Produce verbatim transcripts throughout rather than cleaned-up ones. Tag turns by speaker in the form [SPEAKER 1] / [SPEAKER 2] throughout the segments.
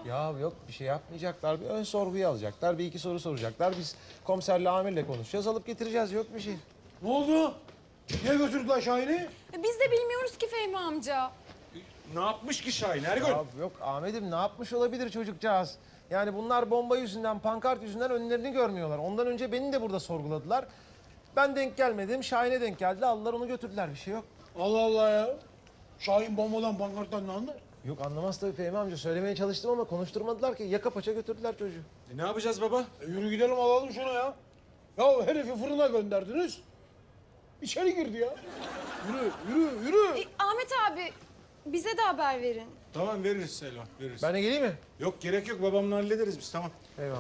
[SPEAKER 1] Ya yok bir şey yapmayacaklar. Bir ön sorguyu alacaklar. Bir iki soru soracaklar. Biz komiserle amirle konuşacağız. Alıp getireceğiz. Yok bir şey.
[SPEAKER 2] Ne oldu? Niye götürdüler Şahin'i?
[SPEAKER 3] E, Biz de bilmiyoruz ki Fehmi amca.
[SPEAKER 4] Ne yapmış ki Şahin Ergün?
[SPEAKER 1] Ya yok Ahmet'im ne yapmış olabilir çocukcağız? Yani bunlar bomba yüzünden, pankart yüzünden önlerini görmüyorlar. Ondan önce beni de burada sorguladılar. Ben denk gelmedim. Şahin'e denk geldi. Aldılar onu götürdüler. Bir şey yok.
[SPEAKER 2] Allah Allah ya. Şahin bombadan, pankarttan ne anlar?
[SPEAKER 1] Yok anlamaz tabii Fehmi amca. Söylemeye çalıştım ama konuşturmadılar ki. Yaka paça götürdüler çocuğu.
[SPEAKER 4] E, ne yapacağız baba?
[SPEAKER 2] E, yürü gidelim alalım şunu ya. Ya herifi fırına gönderdiniz. İçeri girdi ya. Yürü, yürü, yürü.
[SPEAKER 3] E, Ahmet abi bize de haber verin.
[SPEAKER 4] Tamam veririz Selvan, veririz.
[SPEAKER 1] Ben de geleyim mi?
[SPEAKER 4] Yok gerek yok, babamla hallederiz biz, tamam.
[SPEAKER 1] Eyvallah.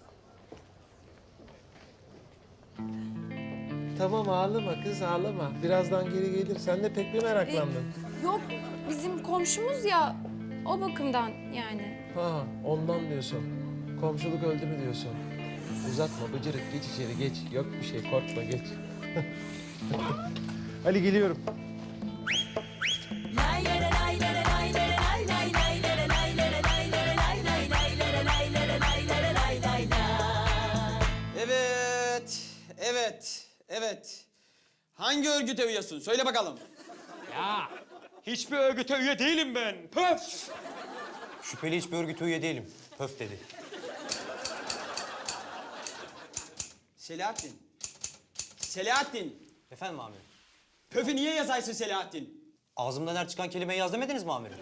[SPEAKER 1] Tamam ağlama kız ağlama. Birazdan geri gelir. Sen de pek bir meraklandın.
[SPEAKER 3] Yok bizim komşumuz ya o bakımdan yani.
[SPEAKER 1] Ha ondan diyorsun. Komşuluk öldü mü diyorsun. Uzatma bıcırık geç içeri geç. Yok bir şey korkma geç. Ali geliyorum.
[SPEAKER 5] Evet, evet, evet. Hangi örgüte üyesin? Söyle bakalım.
[SPEAKER 4] Ya hiçbir örgüte üye değilim ben. Pöf!
[SPEAKER 6] Şüpheli hiçbir örgüte üye değilim. Pöf dedi.
[SPEAKER 5] Selahattin. Selahattin.
[SPEAKER 6] Efendim amirim?
[SPEAKER 5] Pöfü niye yazaysın Selahattin?
[SPEAKER 6] Ağzımdan her çıkan kelimeyi yaz demediniz mi amirim?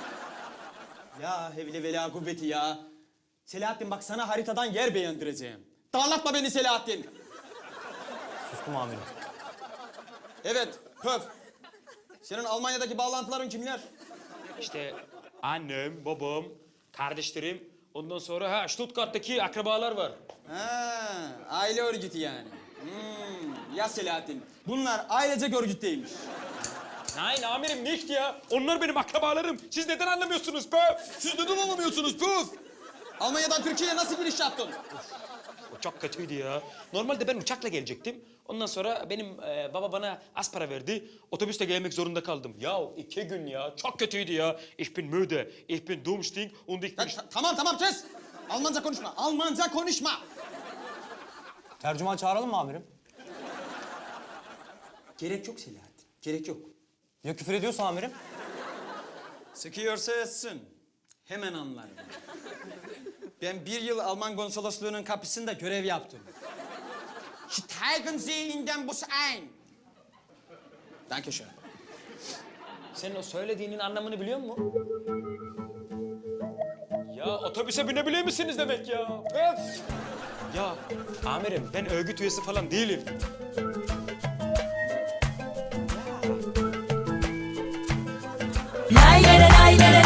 [SPEAKER 5] Ya hevle vela kuvveti ya. Selahattin bak sana haritadan yer beğendireceğim. Darlatma beni Selahattin.
[SPEAKER 6] Sustum amirim.
[SPEAKER 5] Evet, Pöf. Senin Almanya'daki bağlantıların kimler?
[SPEAKER 4] İşte annem, babam, kardeşlerim, ondan sonra ha Stuttgart'taki akrabalar var.
[SPEAKER 5] Ha, aile örgütü yani. Hmm, ya Selahattin. Bunlar ailecek örgütteymiş.
[SPEAKER 4] Nein amirim nicht ya. Onlar benim akrabalarım. Siz neden anlamıyorsunuz pöf?
[SPEAKER 5] Siz neden anlamıyorsunuz Pöf? Almanya'dan Türkiye'ye nasıl giriş yaptın?
[SPEAKER 4] O çok kötüydü ya. Normalde ben uçakla gelecektim. Ondan sonra benim e, baba bana az para verdi. Otobüste gelmek zorunda kaldım. Ya iki gün ya. Çok kötüydü ya. Ich bin müde. Ich bin dummsting und ich bin...
[SPEAKER 5] Ya, ta- tamam tamam kes. Almanca konuşma. Almanca konuşma.
[SPEAKER 6] Tercüman çağıralım mı amirim?
[SPEAKER 5] Gerek yok Selahattin. Gerek yok.
[SPEAKER 6] Ya küfür ediyorsa amirim?
[SPEAKER 5] Sıkıyorsa etsin. Hemen anlarım. Ben bir yıl Alman konsolosluğunun kapısında görev yaptım. Steigen Sie in den Bus ein. Dankeschön.
[SPEAKER 4] Senin o söylediğinin anlamını biliyor musun? Ya otobüse binebilir misiniz demek ya? Öf! Ya amirim ben örgüt üyesi falan değilim.
[SPEAKER 7] Lay lay lay lay lay